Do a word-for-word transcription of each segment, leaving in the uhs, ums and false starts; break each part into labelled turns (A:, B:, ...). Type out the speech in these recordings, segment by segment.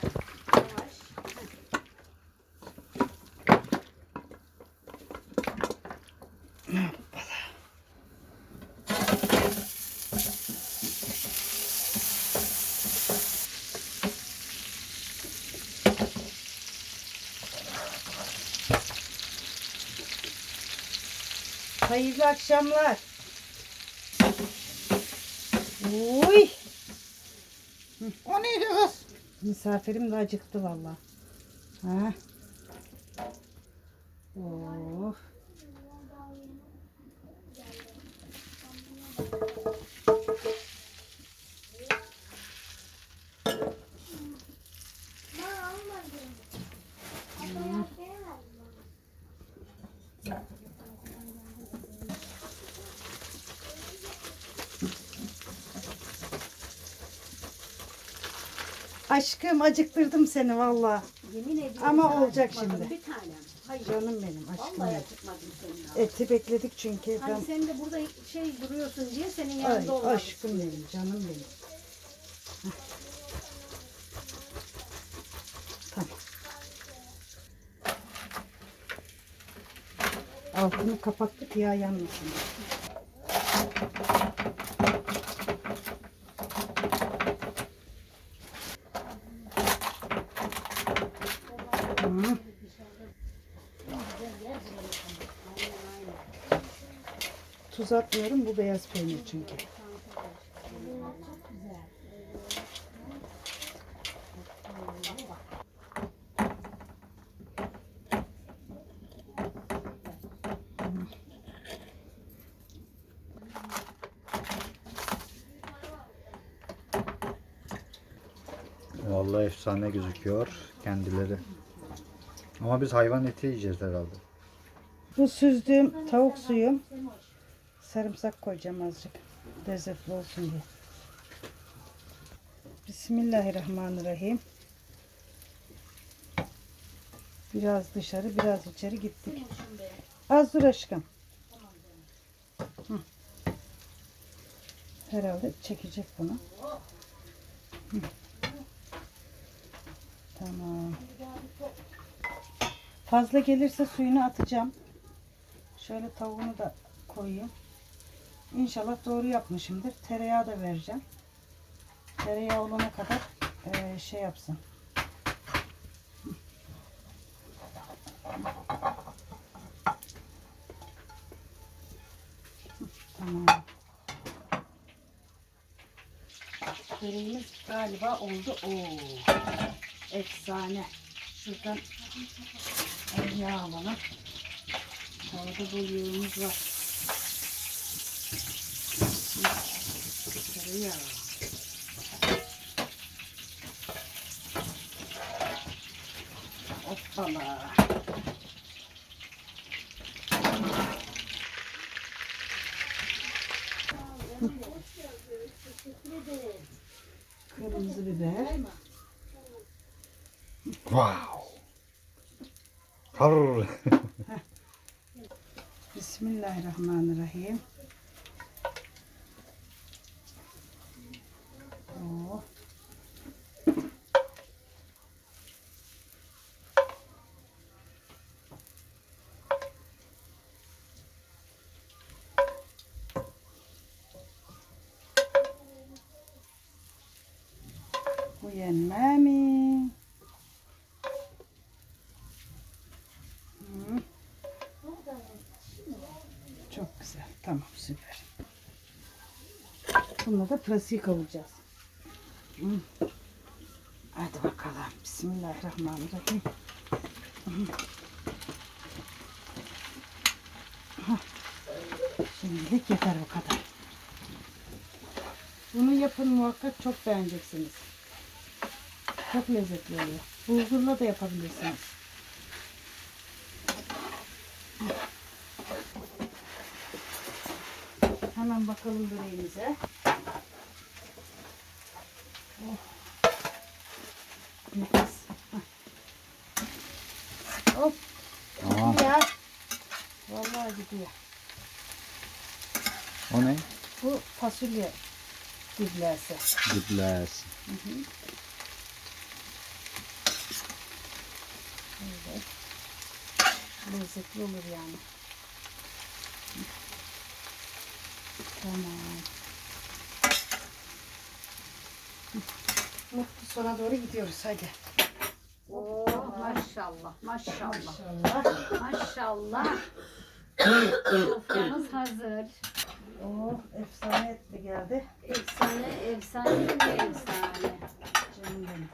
A: Hayırlı akşamlar. Uy.
B: O neydi kız?
A: Misafirim de acıktı vallahi. Ha. Oh. Aşkım acıktırdım seni vallahi.
C: Yemin ediyorum
A: Ama
C: sana
A: olacak
C: acıkmadım
A: şimdi.
C: Bir tanem. Hayır.
A: Canım benim aşkım.
C: Vallahi
A: benim.
C: acıkmadım senin abi.
A: Eti bekledik çünkü.
C: Hani
A: Ben...
C: sen de burada şey duruyorsun diye senin
A: Ay,
C: yanında olmadı.
A: aşkım benim, canım benim. Heh. Tamam. Altını kapattık ya yanmasın. Hı. Tuz atmıyorum, bu beyaz peynir çünkü.
B: Vallahi efsane gözüküyor kendileri. Ama biz hayvan eti yiyeceğiz herhalde.
A: Bu süzdüğüm tavuk suyu. Sarımsak koyacağım azıcık. Lezzetli olsun diye. Bismillahirrahmanirrahim. Biraz dışarı, biraz içeri gittik. Az dur aşkım. Hı. Herhalde çekecek bunu. Hı. Tamam. Fazla gelirse suyunu atacağım. Şöyle tavuğunu da koyayım. İnşallah doğru yapmışımdır. Tereyağı da vereceğim. Tereyağı olana kadar e, şey yapsın. Tamam. Böreğimiz galiba oldu. Oo, efsane. Şuradan yağ alalım. Havada bol yağımız var. Tereyağı. Hoppala. Kırmızı biber.
B: Wow. Har.
A: Bismillahirrahmanirrahim. Oh. Bu yenme mi? Hı. Çok güzel. Tamam, süper. Bununla da pırasayı kavuracağız. Hı. Hadi bakalım. Bismillahirrahmanirrahim. Hı. Hah. Şimdilik yeter bu kadar. Bunu yapın muhakkak, çok beğeneceksiniz. Çok lezzetli oluyor. Bulgurla da yapabilirsiniz. Hemen bakalım böreğimize. Oh. Nefis. Hop.
B: Tamam.
A: Ya. Vallahi gidiyor.
B: O ne?
A: Bu fasulye diblesi.
B: Dibler.
A: Hı hı. Şöyle. Lezzetli olur yani. Tamam. Mutlu sona doğru gidiyoruz hadi.
C: Oh, maşallah, maşallah,
A: İnşallah.
C: maşallah. Soframız hazır.
A: Oh, efsane etli geldi.
C: Efsane, efsane mi efsane?
A: Canım benim.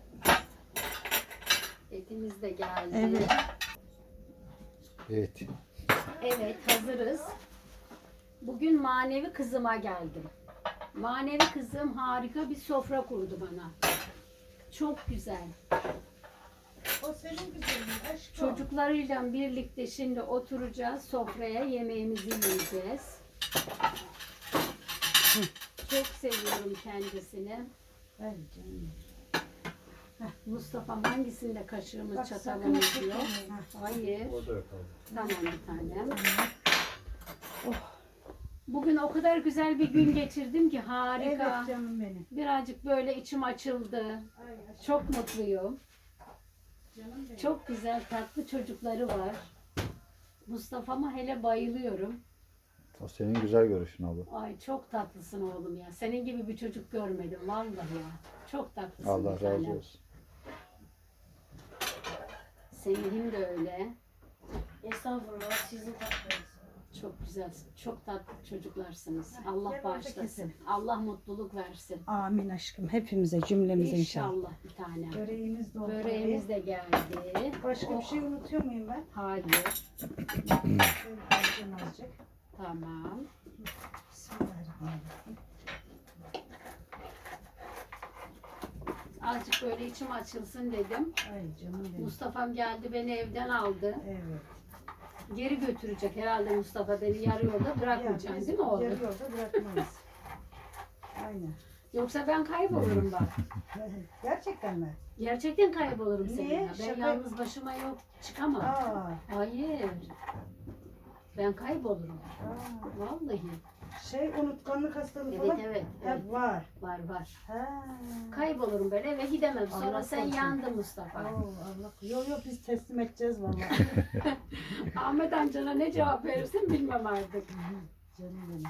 C: Etimiz de geldi.
A: Evet.
B: Evet.
C: Evet, hazırız. Bugün manevi kızıma geldim. Manevi kızım harika bir sofra kurdu bana. Çok güzel.
A: O senin güzelin aşkım.
C: Çocuklarıyla birlikte şimdi oturacağız sofraya, yemeğimizi yiyeceğiz. Çok seviyorum kendisini.
A: Ay canım.
C: Mustafa'm hangisinde kaşığımız
A: Bak, sakın
C: çatalımız
A: eksik
C: yok?
A: olmayın.
C: Hayır.
B: O da yok abi.
C: Tamam bir tanem.
A: Oh.
C: Bugün o kadar güzel bir gün geçirdim ki harika.
A: Evet canım benim.
C: Birazcık böyle içim açıldı.
A: Ay aşkım.
C: Çok mutluyum.
A: Canım benim.
C: Çok güzel tatlı çocukları var. Mustafa'ma hele bayılıyorum.
B: O senin güzel görüşün abla.
C: Ay çok tatlısın oğlum ya. Senin gibi bir çocuk görmedim vallahi ya. Çok tatlısın
B: Allah
C: bir
B: razı
C: tanem.
B: olsun.
C: Semih'im de öyle.
A: Estağfurullah sizin tatlınız.
C: Çok güzelsin. Çok tatlı çocuklarsınız.
A: Heh,
C: Allah
A: gel orada
C: bağışlasın.
A: kesin.
C: Allah mutluluk versin.
A: Amin aşkım. Hepimize cümlemize inşallah.
C: İnşallah bir tanem.
A: Böreğimiz de oldu.
C: Böreğimiz de geldi.
A: Başka bir şey unutuyor muyum ben?
C: Hayır.
A: Şöyle koyacağım azıcık.
C: Tamam.
A: Bismillahirrahmanirrahim.
C: Azıcık böyle içim açılsın dedim.
A: Ay canım benim.
C: Mustafa'm geldi beni evden aldı.
A: Evet.
C: Geri götürecek herhalde Mustafa beni yarı yolda bırakmayacaksın
A: Ya biz
C: değil mi oğlum?
A: yarı yolda bırakmayız. Aynen.
C: Yoksa ben kaybolurum bak.
A: Gerçekten mi?
C: Gerçekten kaybolurum
A: Niye?
C: seninle. Ben
A: Şaka-
C: yalnız başıma yok çıkamam.
A: Aa.
C: Hayır. Ben kaybolurum.
A: Aa.
C: Vallahi.
A: Şey unutkanlık hastalığı
C: Evet
A: falan
C: evet.
A: hep
C: evet.
A: var.
C: Var var.
A: Ha.
C: Kaybolurum böyle eve gidemem. Sonra
A: Allah
C: sen
A: korusun.
C: yandın Mustafa.
A: Oo, Allah. Yok yok biz teslim edeceğiz vallahi.
C: Ahmet amcana ne cevap verirsin bilmem artık.
A: Canım benim.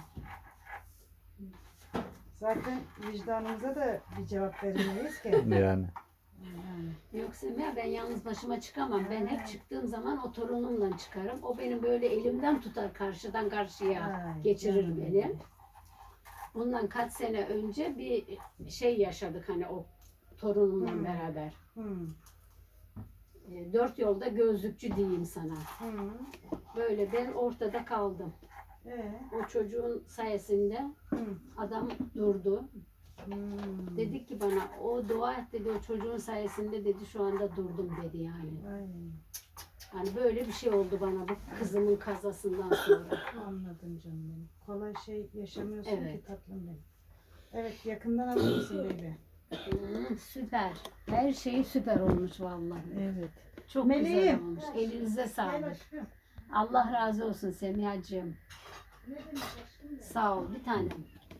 A: Zaten vicdanımıza da bir cevap veremeyiz ki.
B: Yani.
A: Yani.
C: Yok Semih ben yalnız başıma çıkamam. Ben hep çıktığım zaman o torunumla çıkarım. O benim böyle elimden tutar karşıdan karşıya
A: Ay,
C: geçirir
A: canım
C: beni.
A: benim.
C: Bundan kaç sene önce bir şey yaşadık hani o torunumla
A: Hmm.
C: beraber.
A: Hmm.
C: E, Dört yolda gözlükçü diyeyim sana.
A: Hmm.
C: Böyle ben ortada kaldım.
A: Ee?
C: O çocuğun sayesinde
A: Hmm.
C: adam durdu.
A: Hmm.
C: Dedik ki bana o dua et dedi o çocuğun sayesinde dedi şu anda durdum dedi yani.
A: Ay,
C: Hani böyle bir şey oldu bana bu kızımın kazasından sonra.
A: anladım canım benim. Kolay şey yaşamıyorsun
C: Evet.
A: ki tatlım benim. Evet yakından alır mısın baby?
C: Hmm, süper. Her şey süper olmuş vallahi.
A: Evet.
C: Çok
A: Meleğim.
C: güzel olmuş. Elinize
A: Gel
C: sağlık.
A: aşkım.
C: Allah razı olsun Semihacığım.
A: Ne demek aşkım?
C: Sağ ol bir tanem.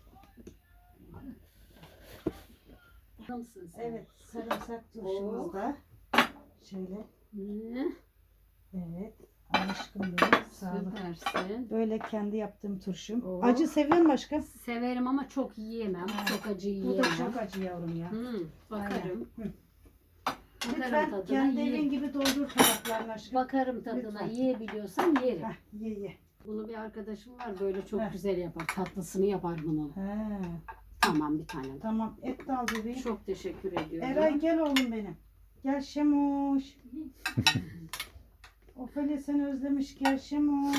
C: Nasılsın sen?
A: Evet sarımsak turşumuz da. Şöyle.
C: Hı,
A: Evet. Aşkım benim. Sağlık.
C: süpersin.
A: Böyle kendi yaptığım turşum.
C: Oo.
A: Acı seviyor musun aşkım?
C: Severim ama çok yiyemem.
A: Ha,
C: Çok acı
A: Bu
C: yiyemem.
A: da çok acı yavrum ya.
C: Hı, bakarım.
A: Aynen.
C: Bakarım
A: Lütfen
C: tadına.
A: kendi
C: ye-
A: evin gibi doldur tabaklarını aşkım.
C: Bakarım tadına.
A: Lütfen.
C: Yiyebiliyorsam yerim.
A: Heh, ye ye.
C: Bunu bir arkadaşım var böyle çok
A: Heh.
C: güzel yapar. Tatlısını yapar bunu.
A: He,
C: Tamam bir tanem.
A: tamam et de al bebeğim.
C: Çok teşekkür ediyorum.
A: Eray gel oğlum benim. Gel Şemoş. Ofelia seni özlemiş gel Şemoş.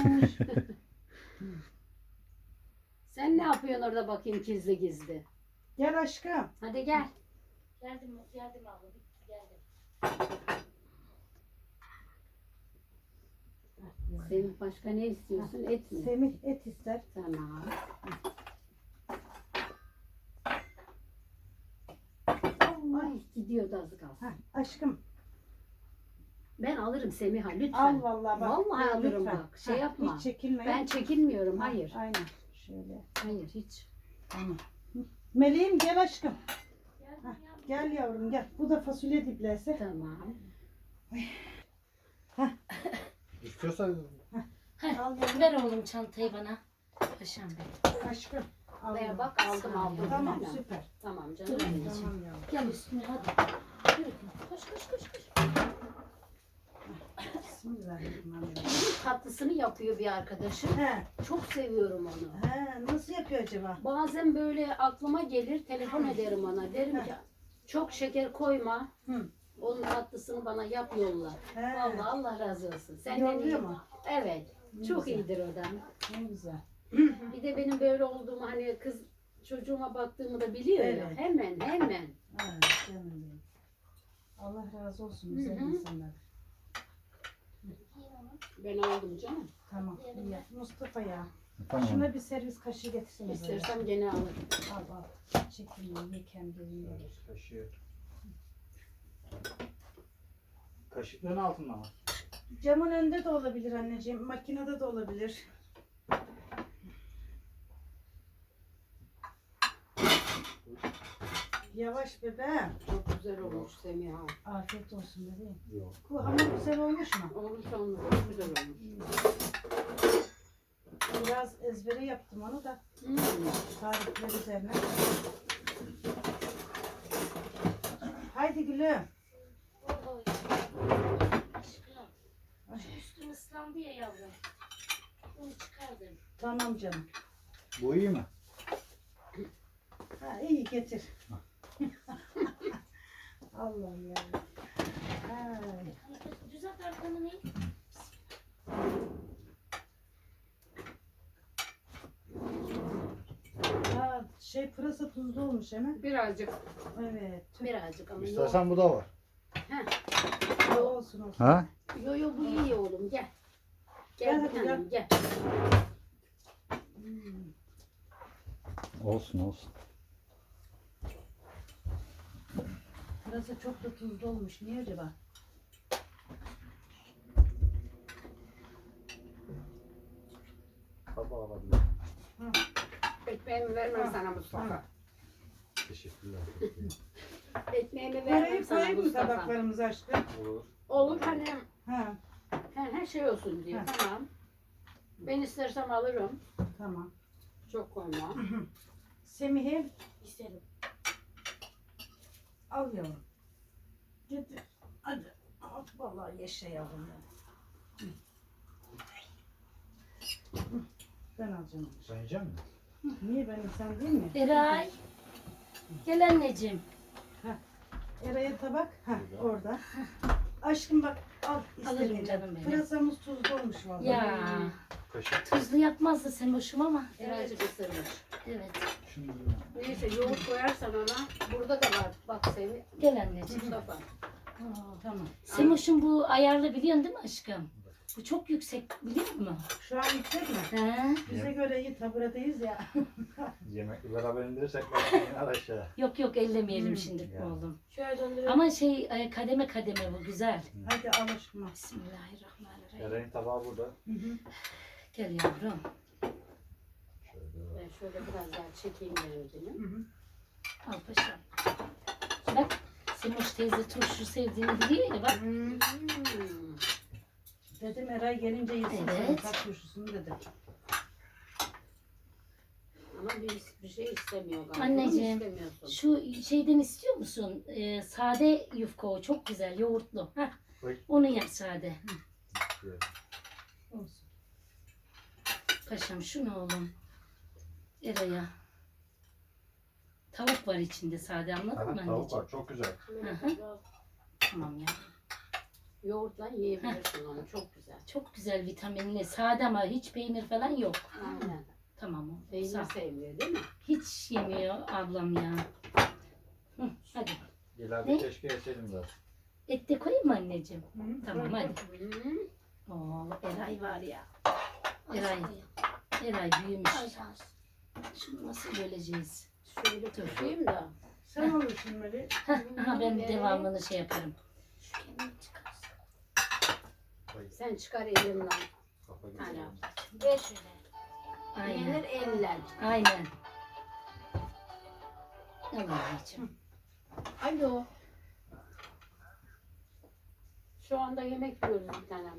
C: Sen ne yapıyorsun orada bakayım gizli gizli?
A: Gel aşkım.
C: Hadi gel.
D: Geldim, geldim abla. Bitti, geldim.
C: Semih başka ne istiyorsun? Et mi?
A: Semih et ister.
C: Tamam. Ay gidiyordu az kalsın.
A: Heh, aşkım
C: Ben alırım Semih'a lütfen.
A: al vallahi bak.
C: Vallahi
A: Gel
C: alırım
A: lütfen.
C: bak. Şey
A: Heh,
C: yapma.
A: Hiç çekinme.
C: Ben çekinmiyorum. Hayır.
A: Aynen. Şöyle.
C: Hayır hiç.
A: Tamam. Hı. Meleğim gel aşkım. Heh, gel yavrum gel. Bu da fasulye diblesi.
C: Tamam.
B: İstiyorsan
A: Al yavrum.
E: Ver oğlum çantayı bana. Paşam benim.
A: Aşkım. Al
C: Buraya
A: yavrum.
C: bak aldım aldım.
A: Tamam
C: Değil mi?
A: süper.
C: Tamam canım.
E: Dur anneciğim.
A: Tamam yavrum.
E: Gel üstüne hadi. Yürü. Koş koş koş koş.
A: Bismillahirrahmanirrahim.
C: Bunun tatlısını yapıyor bir arkadaşım.
A: He,
C: Çok seviyorum onu.
A: he, nasıl yapıyor acaba?
C: Bazen böyle aklıma gelir, telefon ederim ona. Derim ki çok şeker koyma.
A: Hı.
C: Onun tatlısını bana yap yolla.
A: He.
C: Vallahi Allah razı olsun. Senden
A: Yolluyor
C: iyi.
A: mu?
C: Evet.
A: Ne
C: Çok
A: güzel.
C: iyidir o da.
A: Ne güzel.
C: Bir de benim böyle olduğumu hani kız çocuğuma baktığımı da biliyor ya.
A: Evet.
C: Hemen hemen.
A: Ha, canım benim. Allah razı olsun güzel
C: Hı hı.
A: insanlar.
C: Ben aldım canım.
A: Tamam. iyi. Mustafa ya.
B: tamam.
A: Şuna bir servis kaşığı getirsene. böyle.
C: İstersem gene alırım.
A: Al al. Çekin ye kendini. ye.
B: Kaşığı. Kaşıkların altında mı?
A: Camın önünde de olabilir anneciğim. Makinede de olabilir. Yavaş bebeğim.
C: Çok güzel olmuş Semiha.
A: Afiyet olsun bebeğim.
B: Yok.
A: Bu hamur güzel olmuş mu?
C: Olmuş olmuş. Çok güzel olmuş.
A: Biraz ezbere yaptım onu da.
C: Hmm.
A: Tarifler üzerine. Haydi gülüm.
D: Oy. Aşkım. Şu üstün ıslandı ya yavrum. Onu çıkardım.
A: Tamam canım.
B: Bu iyi mi?
A: Ha, iyi getir. Allah'ım ya. Ay.
D: Düzelt arkanı ne?
A: Ha, şey pırasa tuzlu olmuş hemen.
C: Birazcık.
A: Evet. Tüh.
C: Birazcık ama yok.
B: İstersen bu da var.
A: Olsun olsun.
B: Ha?
C: Yo yo bu iyi oğlum gel.
A: Gel
C: Gel
A: hadi,
C: bir tanem gel.
A: Hmm.
B: Olsun olsun.
A: Pırasa çok da tuzlu olmuş. Niye acaba?
B: Tabağı alabilir.
C: Ekmeğimi vermem
A: Ha,
C: sana Mustafa.
A: ha.
B: Teşekkürler.
C: Ekmeğimi vermem
A: Parayı
C: sana
A: koyayım mı
C: Mustafa.
A: tabaklarımıza aşkım?
B: Olur.
C: Olur hani
A: Ha,
C: he, her şey olsun diye.
A: Ha.
C: Tamam. Ben istersem alırım.
A: tamam.
C: Çok koyma.
A: Semih'im
D: İsterim.
A: al yavrum. Getir. Hadi. Al, vallahi yaşa yavrum. Hı. Hı, ben alacağım.
B: Sen yiyecek misin?
A: Niye ben insan değil mi?
E: Eray. Gel anneciğim.
A: Eray'a tabak. Ha, orada. Aşkım bak al
E: Alırım
A: istediğin.
E: canım benim.
A: Pırasamız tuzlu olmuş vallahi.
E: Ya.
B: Kaşık.
E: Tuzlu yapmazdı sen hoşum ama.
C: Birazcık ısırmış.
E: Evet.
B: Şimdi
C: Neyse yoğurt koyarsan ona. Burada da var. Bak Semi.
E: Gel anneciğim.
C: Mustafa.
A: Tamam.
E: Semoş'un bu ayarlı biliyorsun değil mi aşkım? Bu çok yüksek biliyor musun?
A: Şu an yüksek mi?
E: He?
A: Bize göre iyi taburadayız ya.
B: yemekli beraber indirirsek ben iner aşağı.
E: Yok yok ellemeyelim
A: Hmm.
E: şimdi
B: Ya.
E: oğlum.
D: Şöyle döndürelim.
E: Ama şey e, kademe kademe bu güzel.
A: Hadi al aşkım. al.
E: Bismillahirrahmanirrahim.
B: Eren'in tabağı burada.
A: Hı hı.
E: Gel yavrum.
B: Şöyle.
C: Ben şöyle biraz daha çekeyim yerini.
A: Hı hı.
E: Al paşam. Bak Semoş teyze turşu sevdiğini biliyor ya bak.
C: Hmm.
A: Dedim Eray gelince yesin
E: Evet.
A: senin tat turşusunu dedim.
C: Ama bir, bir şey istemiyor galiba.
E: Anneciğim.
C: İstemiyorsun.
E: Şu şeyden istiyor musun? Ee, sade yufka o çok güzel yoğurtlu. Heh.
B: Oy.
E: Onu yap sade.
A: Olsun.
E: Paşam şu ne oğlum? Eray'a. Tavuk var içinde sade anladın
B: Aha,
E: mı
B: tavuk
E: anneciğim?
B: var çok güzel.
E: Hı. Tamam ya.
C: Yoğurtla yiyebilirsin onu. Çok güzel.
E: Çok güzel vitaminli. Sade ama hiç peynir falan yok.
C: Aynen.
E: Tamam oğlum.
C: Peynir
E: Sağ ol.
C: sevmiyor değil mi?
E: Hiç yemiyor ablam ya. Hı, hadi.
B: İleride
E: Ne?
B: keşke yeseydim zaten.
E: Et de koyayım mı anneciğim?
A: Hı hı.
E: Tamam hadi.
C: Hmm.
E: Oo, Eray var ya. Eray. Eray büyümüş. Şunu nasıl böleceğiz?
C: Şöyle tutayım da.
A: Sen olursun böyle.
E: Aha, ben devamını şey yaparım.
C: Sen çıkar elimden.
B: Kafa gibi.
C: Aynen.
D: Ver şöyle.
C: Yenir
E: Aynen.
C: eller.
E: Aynen. Al anneciğim.
C: Alo. Şu anda yemek yiyoruz bir tanem.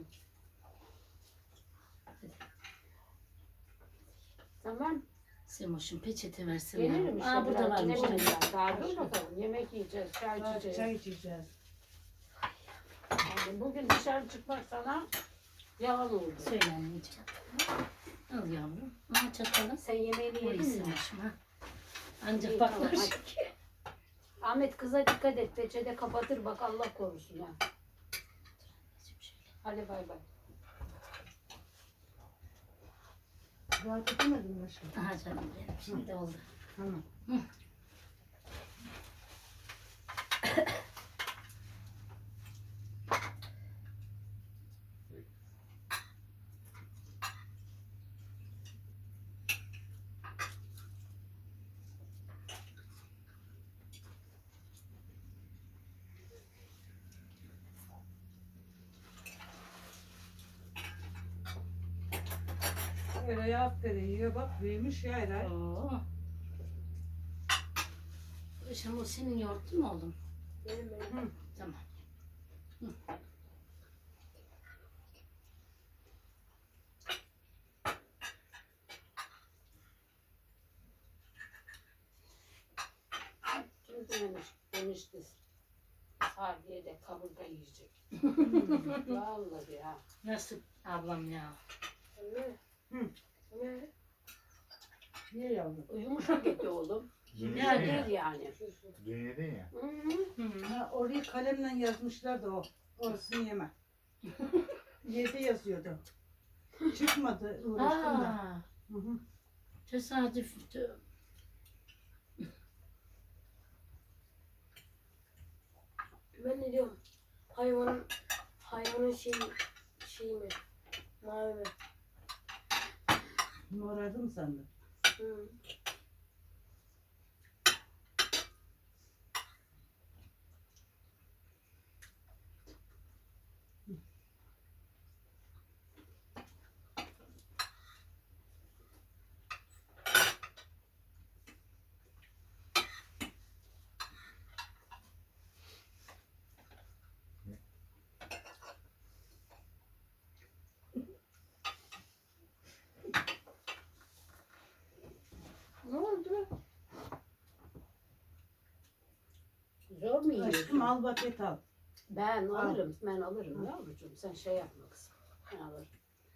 C: Tamam.
E: Semoş'un peçete versin.
C: Gelirim işte.
E: Aa, burada
C: biraz. Ne
E: varmış.
C: bileyim ben. Daha dur bakalım. Yemek yiyeceğiz. Çay içeceğiz.
A: Çay içeceğiz.
C: Yani bugün dışarı çıkmak sana yalan oldu.
E: Söyle anneciğim. Al yavrum. Al çatalı.
C: Sen yemeğini
E: Oy
C: yedin mi?
E: Semoş'um ha. Ancak
C: İyi,
E: baklar.
C: tamam, hadi. Ahmet kıza dikkat et. Peçete kapatır bak Allah korusun ha. Hadi bay bay.
A: Rahat edemedim mi aşkım?
E: Aha canım benim. Şimdi oldu.
A: Tamam. Öyle aferin yiyor bak büyümüş ya Eray.
E: Oo. Işamur senin yoğurtun mu oğlum?
C: Benim benim.
E: Tamam.
C: Kim demiş, demişti. Sahiye de kaburga yiyecek. Vallahi ya.
E: Nasıl ablam ya?
C: Öyle.
A: Hı.
C: Öyle.
A: Niye yavrum?
C: Yumuşak eti oğlum.
B: Dün
E: Yani.
B: yedin ya.
C: Değil yani.
B: Dün yedin ya.
C: Hı hı.
E: Hı.
A: Ha, orayı kalemle yazmışlar da o. Orasını yeme. Yedi yazıyordu. Çıkmadı uğraştım da.
E: Aa,
A: Hı hı.
E: tesadüf.
D: Ben ne diyorum? Hayvanın hayvanın şeyi şey mi? Mavi mi?
A: Morardım sandım.
D: Hı.
C: Ne oldu? Zor mu yiyorsun?
A: Aşkım al paket al.
C: Ben
A: Al.
C: alırım, ben alırım yavrucuğum. Sen şey yapma kızım. Ben alırım.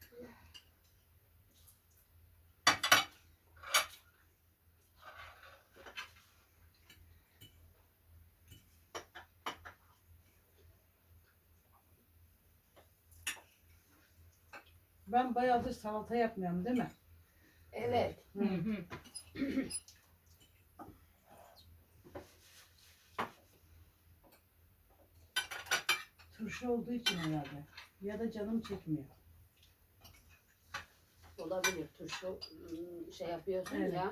A: Ben bayağıdır salata yapmıyorum değil mi?
C: Evet.
E: Hı hı.
A: Turşu olduğu için herhalde. Ya da canım çekmiyor.
C: Olabilir. Turşu ım, şey yapıyorsun
A: Evet.
C: ya.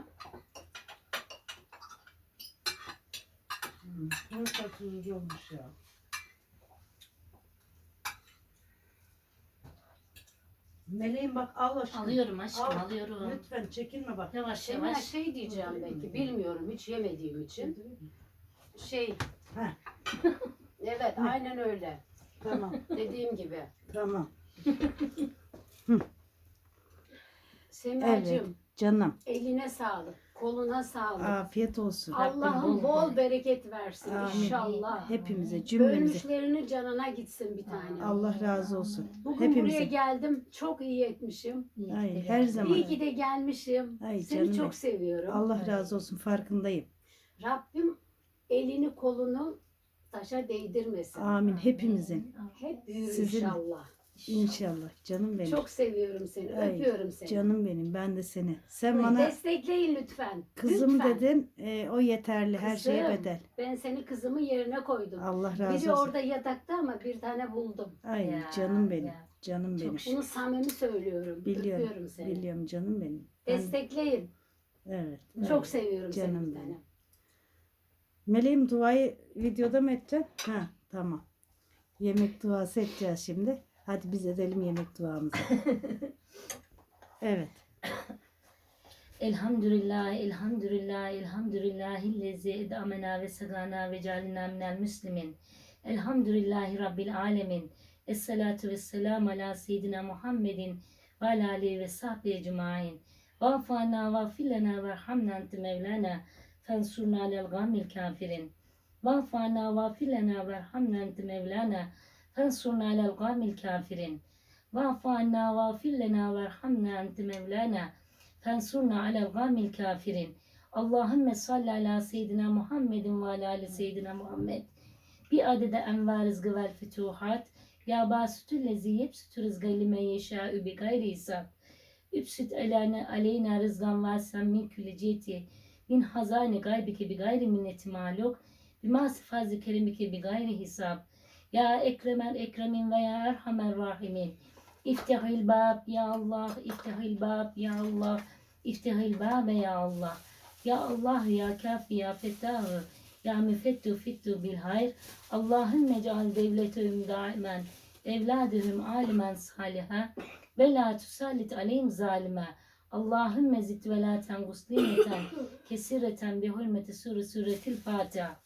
A: Hmm. Turşu tuzlu olmuş ya. Meleğim bak al aşkım.
E: Alıyorum aşkım
A: Al.
E: alıyorum.
A: Lütfen çekinme bak.
E: Yavaş
C: Emine
E: yavaş.
C: şey diyeceğim belki. Bilmiyorum hiç yemediğim için. Şey.
A: Heh.
C: Evet aynen öyle.
A: Tamam
C: Dediğim gibi.
A: tamam.
C: Semracığım
A: Canım.
C: eline sağlık. Koluna sağlık.
A: Afiyet olsun.
C: Allah'ım bol bereket versin
A: Amin.
C: inşallah.
A: Hepimize cümlemize.
C: Ölmüşlerinin canına gitsin bir tane.
A: Allah razı olsun.
C: Bugün buraya
A: Hepimize.
C: geldim. Çok iyi etmişim.
A: Ay, her zaman.
C: İyi ki de gelmişim.
A: Ay,
C: Seni
A: canım
C: çok
A: benim.
C: seviyorum.
A: Allah razı olsun farkındayım.
C: Rabbim elini kolunu taşa değdirmesin.
A: Amin hepimizin.
C: Hep büyür
A: Sizin-
C: inşallah.
A: İnşallah canım benim.
C: Çok seviyorum seni.
A: Ay,
C: Öpüyorum seni.
A: Canım benim ben de seni. Sen bana
C: Destekleyin lütfen.
A: kızım
C: lütfen.
A: dedin e, o yeterli her şeye
C: Kızım.
A: bedel.
C: Ben seni kızımın yerine koydum.
A: Allah
C: Biri
A: razı olsun.
C: orada yatakta ama bir tane buldum.
A: Ay
E: Ya,
A: canım benim.
E: ya.
A: Canım benim.
C: Bunu samimi söylüyorum.
A: Biliyorum.
C: Öpüyorum seni.
A: Biliyorum canım benim. Ben-
C: Destekleyin.
A: evet.
C: Çok
A: evet.
C: seviyorum seni
A: Canım
C: bir
A: benim.
C: tane.
A: Meleğim duayı videoda mı edeceksin? Ha tamam. Yemek duası edeceğiz şimdi. Hadi biz edelim yemek duamızı. Evet.
E: Elhamdülillah, elhamdülillah, elhamdülillahillezi edamena ve sagana ve calina minel müslimin. Elhamdülillahi Rabbil alemin. Esselatu vesselam ala seyyidina Muhammedin ve ala alihi ve sahbihi ecmain. Vafana vafilena verhamna ente mevlana fensurna alel gamil kafirin. Vafana vafilena verhamna ente mevlana fensurna alel gamil kafirin. Vafana vafilena verhamna ente mevlana fensurna alel gamil kafirin. Allahümme salli ala seyyidina Muhammedin ve ala ali seyyidina Muhammed. Bir adede envar rızgı vel fütuhat. Ya basütü lezi yepsütü rızgı lime yeşâ'ü bi gayri hisab. Üpsüt elâne aleyna rızgan varsen min küleciyeti. Min hazâne gaybike bi gayri minneti maluk. Bima sıfazı kerimike bi gayri hisab. Ya ekremel ekremin ve ya erhamer rahimin. İftihil bab ya Allah, iftihil bab ya Allah, iftihil bab ya Allah. Ya Allah ya kafi ya fettahı. Ya müfettu fittu bil hayr. Allahümme ceal devletühüm daimen. Evladühüm alimen saliha. Ve la tusallit aleyhim zalime. Allahümme zid ve la tengus nimeten. Kesireten bi hürmeti sure suretil Fatiha.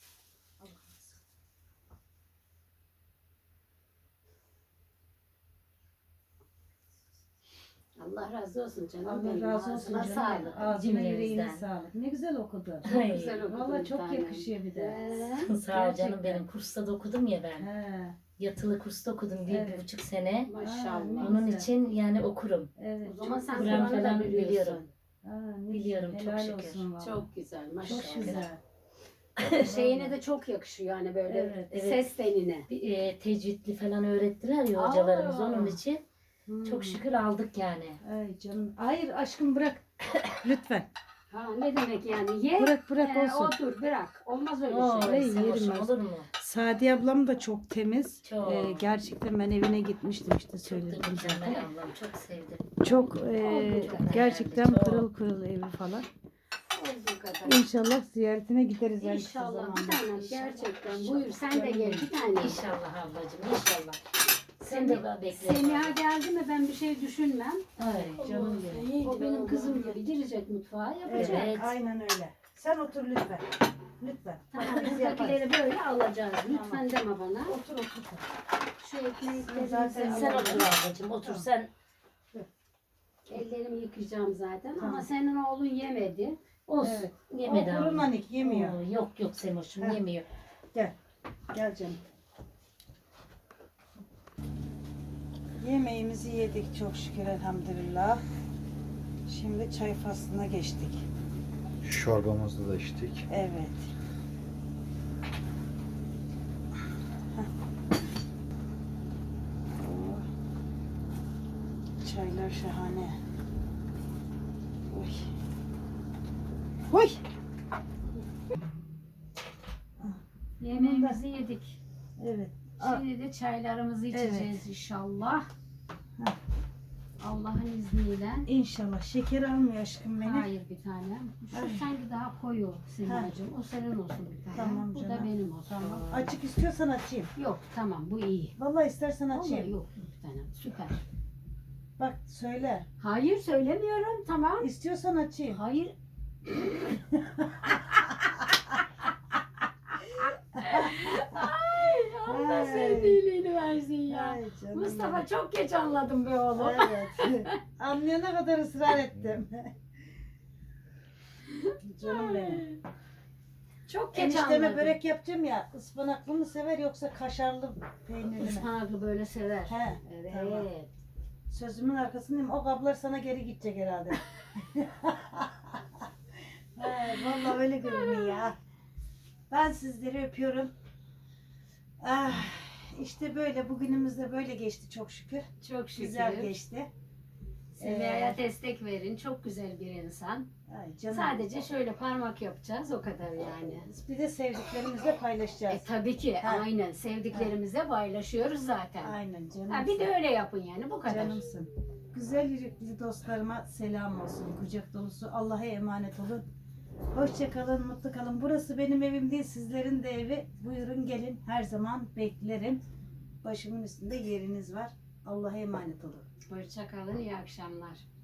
C: Allah razı olsun canım.
A: Allah
C: benim.
A: razı olsun
C: Ağzına
A: canım.
C: sağlık.
A: Ağzına yüreğine
E: Cümlemizden.
A: sağlık. Ne güzel okudu.
E: Ay,
C: Güzel okudun
A: Valla
C: bir
A: çok
C: tanem.
A: yakışıyor bir de.
C: Ee,
E: Sağ ol canım,
A: Gerçekten.
E: benim kursta da okudum ya ben.
A: He,
E: Yatılı kursta okudum bir,
A: Evet.
E: bir buçuk sene.
C: Maşallah.
A: Ne
E: Onun
A: güzel.
E: için yani okurum.
A: evet.
C: O zaman
A: çok
C: sen
A: güzel.
E: Kur'an
C: Kur'an'ı da
E: falan
C: biliyorsun.
E: biliyorum.
A: Aa, ne
E: Biliyorum,
A: güzel.
E: çok
A: Helal
E: şükür.
A: olsun valla.
C: Çok güzel maşallah.
A: Çok güzel.
C: Şeyine de çok yakışıyor yani böyle
A: Evet,
E: evet.
C: ses tenine.
E: Bir, e, tecvidli falan öğrettiler ya hocalarımız,
C: Aa.
E: onun için
A: Hmm.
E: çok şükür aldık yani.
A: Ay canım. Hayır aşkım bırak. Lütfen.
C: Ha ne demek yani? Ye.
A: Bırak bırak
C: e,
A: olsun.
C: otur bırak. Olmaz öyle
E: Oo,
C: şey.
A: Ay,
E: sen
A: yerim
E: hoşum
A: ben.
E: olur mu?
A: Sadi ablam da çok temiz.
E: Çok.
A: Ee, gerçekten ben evine gitmiştim işte
E: Çok da
A: söyledim
E: mükemmel
A: zaten.
E: ablam, çok sevdim.
A: Çok e,
C: Olduğu kadar
A: gerçekten
E: yani, çok.
A: pırıl pırıl evi falan.
C: Olduğu kadar.
A: İnşallah ziyaretine gideriz en kısa
C: İnşallah bir
A: zamanda.
C: tanem gerçekten. Buyur sen de gel bir tane.
E: İnşallah ablacığım, inşallah. Sen de bana bekle.
C: Semiha geldi mi ben bir şey düşünmem.
E: Ay canım benim.
C: O benim kızım gibi girecek mutfağa yapacak.
E: Evet.
A: aynen öyle. Sen otur lütfen. Lütfen.
C: Tamam,
A: Biz yaparız.
C: buradakileri böyle alacağız. Lütfen deme bana.
A: Otur otur.
C: Şu ekmeklerimizi
A: Zaten
E: Sen
C: alalım.
E: otur ablacığım, otur
A: Tamam.
E: sen.
C: Ellerimi yıkayacağım zaten ama
A: Tamam.
C: senin oğlun yemedi.
E: Olsun.
A: Evet.
E: Yemedi
A: O kuru
E: abla.
A: nanik yemiyor.
E: Oo, yok yok Semoş'um,
A: Heh.
E: yemiyor.
A: Gel. Gel canım. Yemeğimizi yedik çok şükür elhamdülillah. Şimdi çay faslına geçtik.
B: Çorbamızı da içtik.
A: Evet. Heh. Oh. Çaylar şahane. Oy. Oy.
C: Yemeğimizi yedik.
A: Evet. Aa,
C: Şimdi de çaylarımızı içeceğiz
A: Evet.
C: inşallah.
A: Heh.
C: Allah'ın izniyle.
A: İnşallah. Şeker almıyor aşkım beni.
C: Hayır bir tanem. Şu
A: Ay.
C: sanki daha koyu Simacığım. O senin olsun bir tane.
A: Tamam
C: Bu da
A: canım.
C: benim olsun.
A: Tamam. Açık istiyorsan açayım.
C: Yok tamam bu iyi.
A: Vallahi istersen
C: Vallahi
A: açayım.
C: yok bir tanem süper.
A: Bak söyle.
C: Hayır söylemiyorum tamam.
A: İstiyorsan açayım.
C: Hayır. Ay Allah
A: Ay.
C: senin iyiliğini versin ya.
A: Ay canım
C: Mustafa
A: benim.
C: çok geç anladım be oğlum.
A: Evet. Anlayana kadar ısrar ettim. Canım benim.
C: Çok geç
A: Enişteme
C: anladım.
A: börek yapacağım ya. Ispanaklı mı sever yoksa kaşarlı peynirli mi?
C: Ispanaklı böyle sever.
A: He.
C: Evet.
A: Tamam. Sözümün arkasındayım. O kablar sana geri gidecek herhalde. Ay, vallahi öyle görünüyor ya. Ben sizleri öpüyorum. Ah, işte böyle bugünümüz de böyle geçti çok şükür.
C: Çok şükür.
A: Güzel geçti.
C: Semiha'ya
A: Ee,
C: destek verin. Çok güzel bir insan.
A: Ay canım.
C: Sadece şöyle parmak yapacağız o kadar yani.
A: Bir de sevdiklerimizle paylaşacağız.
C: E tabii ki
A: Ha.
C: aynen sevdiklerimizle paylaşıyoruz zaten.
A: Aynen canım.
C: Ha, bir de öyle yapın yani bu kadar.
A: Canımsın. Güzel yürekli dostlarıma selam olsun. Kucak dolusu. Allah'a emanet olun. Hoşça kalın, mutlu kalın. Burası benim evim değil, sizlerin de evi. Buyurun gelin. Her zaman beklerim. Başımın üstünde yeriniz var. Allah'a emanet olun.
C: Hoşça kalın, iyi akşamlar.